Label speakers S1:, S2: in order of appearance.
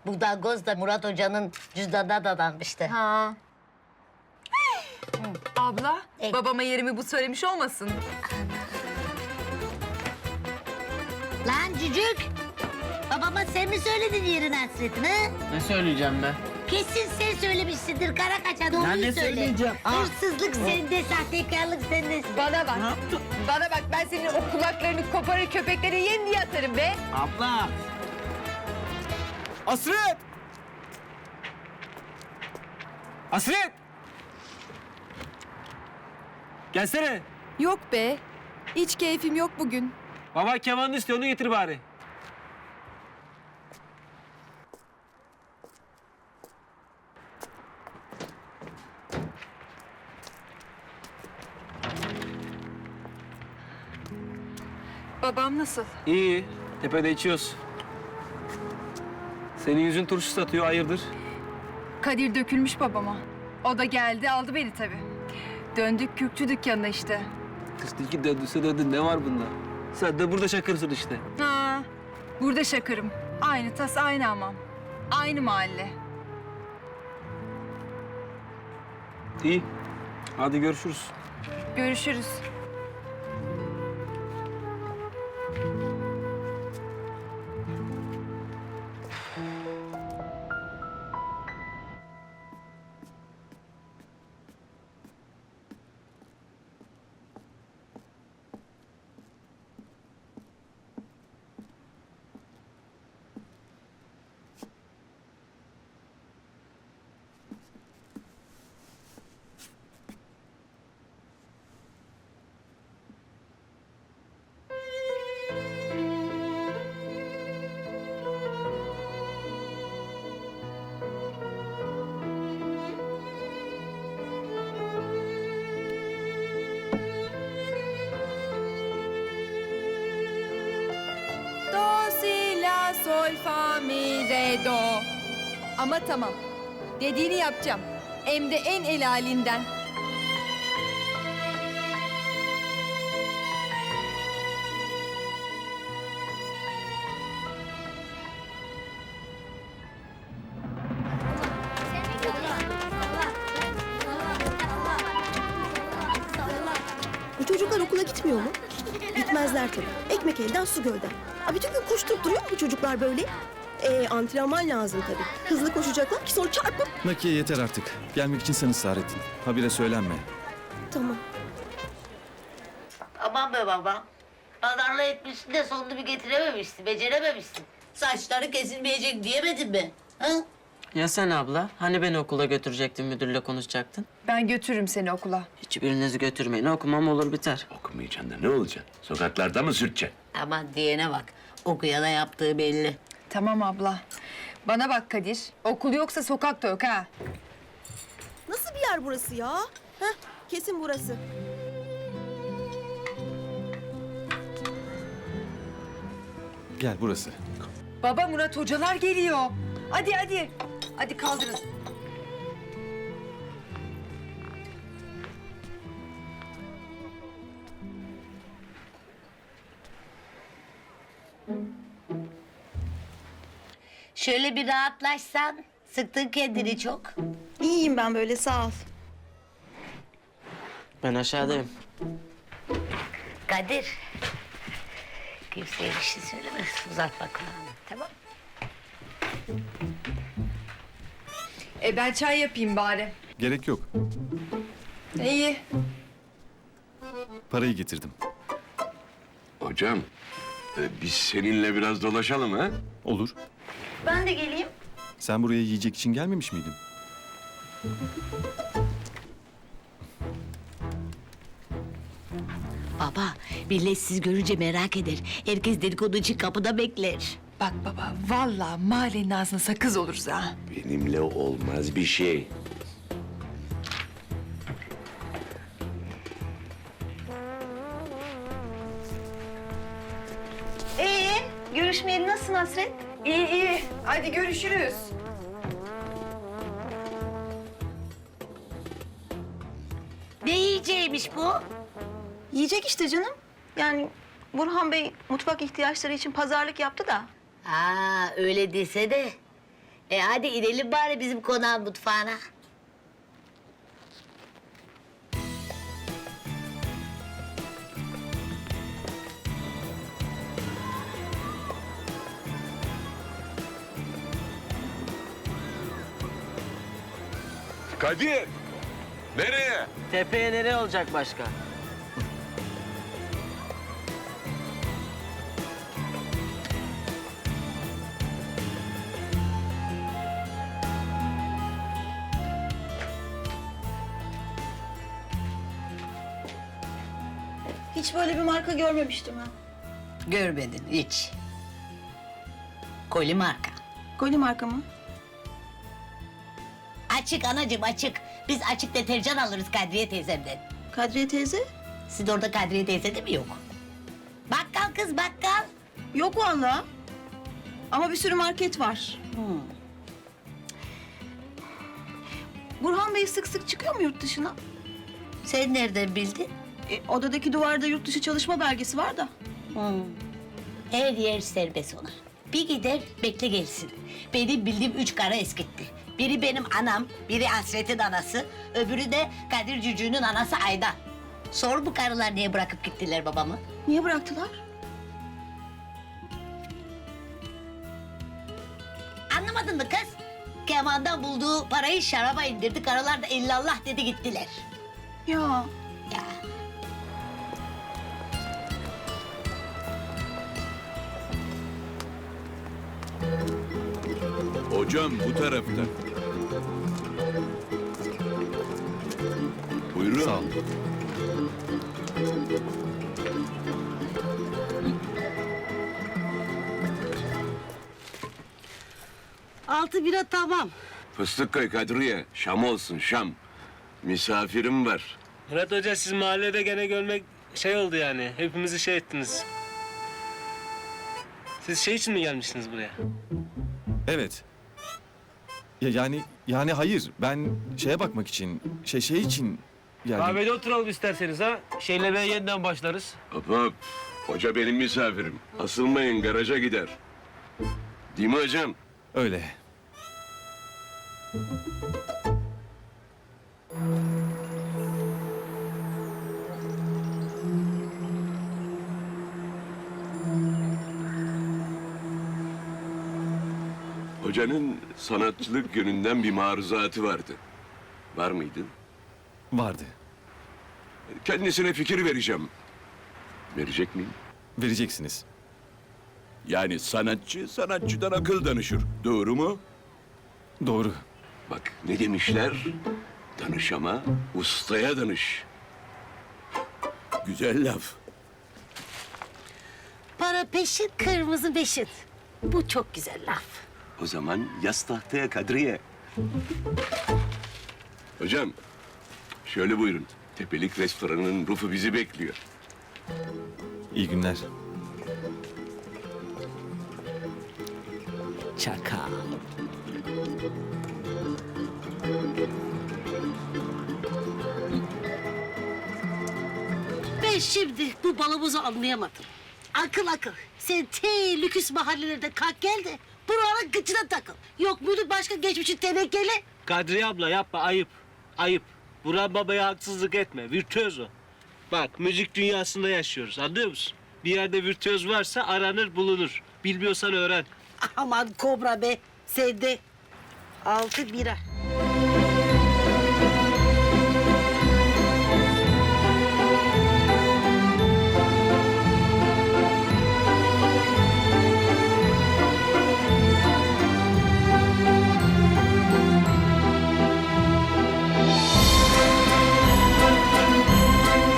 S1: Bu dangoz da Murat Hoca'nın cüzdanına dadanmıştı.
S2: Ha. Abla,
S1: Ey.
S2: babama yerimi bu söylemiş olmasın?
S1: Lan cücük! Babama sen mi söyledin yerin hasretini?
S3: Ne söyleyeceğim ben?
S1: Kesin sen söylemişsindir kara kaçan
S3: Ben
S1: doğruyu
S3: ne
S1: söyle.
S3: söyleyeceğim?
S1: Hırsızlık sende, sahtekarlık sende.
S2: Bana bak. Bana bak, ben senin o kulaklarını koparır köpeklere yem diye atarım be.
S3: Abla!
S4: Hasret! Hasret! Gelsene.
S5: Yok be. Hiç keyfim yok bugün.
S4: Baba kemanını istiyor, onu getir bari.
S2: Babam nasıl?
S4: İyi, tepede içiyoruz. Senin yüzün turşu satıyor, hayırdır?
S2: Kadir dökülmüş babama. O da geldi, aldı beni tabii. Döndük Kürkçü dükkanına işte.
S4: Kıstıki döndüse döndü, ne var bunda? Sen de burada şakırsın işte.
S2: Ha, burada şakırım. Aynı tas, aynı hamam. Aynı mahalle.
S4: İyi, hadi görüşürüz.
S2: Görüşürüz.
S5: Do, si, la, sol, fa, mi, re, do. Ama tamam. Dediğini yapacağım. Hem de en el halinden.
S6: Bu çocuklar okula gitmiyor mu? Gitmezler tabii. Ekmek elden su gölden. Bütün gün koşturup duruyor mu bu çocuklar böyle? Antrenman lazım tabii. Hızlı koşacaklar ki sonra çarpıp...
S7: Nakiye yeter artık. Gelmek için sen ısrar ettin. Habire söylenme.
S6: Tamam.
S1: Aman be baba. Pazarlığı etmişsin de sonunu bir getirememişsin, becerememişsin. Saçları kesilmeyecek diyemedin mi? Ha?
S3: Ya sen abla? Hani beni okula götürecektin, müdürle konuşacaktın?
S2: Ben götürürüm seni okula.
S3: Hiçbirinizi götürmeyin. Okumam olur biter.
S8: Okumayacaksın da ne olacaksın? Sokaklarda mı sürteceksin?
S1: Aman diyene bak. Okuyana yaptığı belli.
S2: Tamam abla. Bana bak Kadir. Okul yoksa sokak da yok ha.
S6: Nasıl bir yer burası ya? Kesin burası.
S7: Gel burası.
S2: Baba Murat hocalar geliyor. Hadi hadi. Hadi kaldırın.
S1: Şöyle bir rahatlaşsan. Sıktın kendini çok.
S6: İyiyim ben böyle sağ ol.
S3: Ben aşağıdayım.
S1: Kadir. Kimseye bir şey söyleme. Uzatma kulağını. Tamam.
S2: Ben çay yapayım bari.
S7: Gerek yok.
S2: İyi.
S7: Parayı getirdim.
S8: Hocam, biz seninle biraz dolaşalım ha?
S7: Olur.
S6: Ben de geleyim.
S7: Sen buraya yiyecek için gelmemiş miydin?
S1: Baba, millet siz görünce merak eder. Herkes dedikodu için kapıda bekler.
S2: Bak baba vallahi mahallenin ağzına sakız oluruz ha.
S8: Benimle olmaz bir şey.
S6: Görüşmeyeli nasılsın Hasret?
S2: İyi iyi. Hadi görüşürüz.
S1: Ne yiyeceğiymiş bu?
S6: Yiyecek işte canım. Yani Burhan Bey mutfak ihtiyaçları için pazarlık yaptı da.
S1: Aa, öyle dese de Hadi inelim bari bizim konağın mutfağına.
S8: Kadir! Nereye?
S3: Tepeye nereye olacak başka?
S6: Hiç böyle bir marka görmemiştim ha.
S1: Görmedin hiç. Koli marka.
S6: Goli marka mı?
S1: Açık anacığım açık. Biz açık deterjan alırız Kadriye teyzemden.
S6: Kadriye teyze?
S1: Sizin orada Kadriye teyze de mi yok? Bakkal kız bakkal.
S6: Yok vallahi. Ama bir sürü market var. Burhan Bey sık sık çıkıyor mu yurt dışına?
S1: Sen nereden bildin?
S6: Odadaki duvarda yurt dışı çalışma belgesi var da.
S1: Her yer serbest ona. Bir gider bekle gelsin. Benim bildiğim 3 kara eskitti. Biri benim anam, biri Hasret'in anası, öbürü de Kadir Cücü'nün anası Ayda. Sor bu karılar niye bırakıp gittiler babamı?
S6: Niye bıraktılar?
S1: Anlamadın mı kız? Kemandan bulduğu parayı şaraba indirdi, karılar da illallah dedi gittiler.
S6: Ya
S1: Ya.
S8: Hocam bu tarafta. Buyurun.
S7: Sağ ol.
S1: Altı bira tamam.
S8: Fıstık koy Kadriye. Şam olsun Şam. Misafirim var.
S9: Murat Hoca siz mahallede gene görmek şey oldu yani. Hepimizi şey ettiniz. Siz şey için mi gelmişsiniz buraya?
S7: Evet. Yani hayır. Ben şeye bakmak için, şey için yani.
S9: Kahvede oturalım isterseniz ha. Şeylemeye yeniden başlarız.
S8: Hop hop. Hoca benim misafirim. Asılmayın garaja gider. Değil mi hocam?
S7: Öyle.
S8: Hocanın sanatçılık yönünden bir maruzatı vardı. Var mıydı?
S7: Vardı.
S8: Kendisine fikir vereceğim. Verecek miyim?
S7: Vereceksiniz.
S8: Yani sanatçı sanatçıdan akıl danışır. Doğru mu?
S7: Doğru.
S8: Bak ne demişler? Danış ama ustaya danış. Güzel laf.
S1: Para peşin, kırmızı beşin. Bu çok güzel laf.
S8: O zaman yaz tahtaya Kadriye. Hocam, şöyle buyurun. Tepelik restoranının rufu bizi bekliyor.
S7: İyi günler.
S1: Çakal.
S10: Ben şimdi bu balımızı anlayamadım. Akıl akıl. Sen lüküs mahallelerde kalk gel de buraların gıcına takıl. Yok muydu başka geçmişin tenekeli?
S9: Kadriye abla yapma ayıp. Ayıp. Burhan babaya haksızlık etme. Virtüöz o. Bak müzik dünyasında yaşıyoruz anlıyor musun? Bir yerde virtüöz varsa aranır bulunur. Bilmiyorsan öğren.
S10: Aman kobra be. Sen de 6 bira.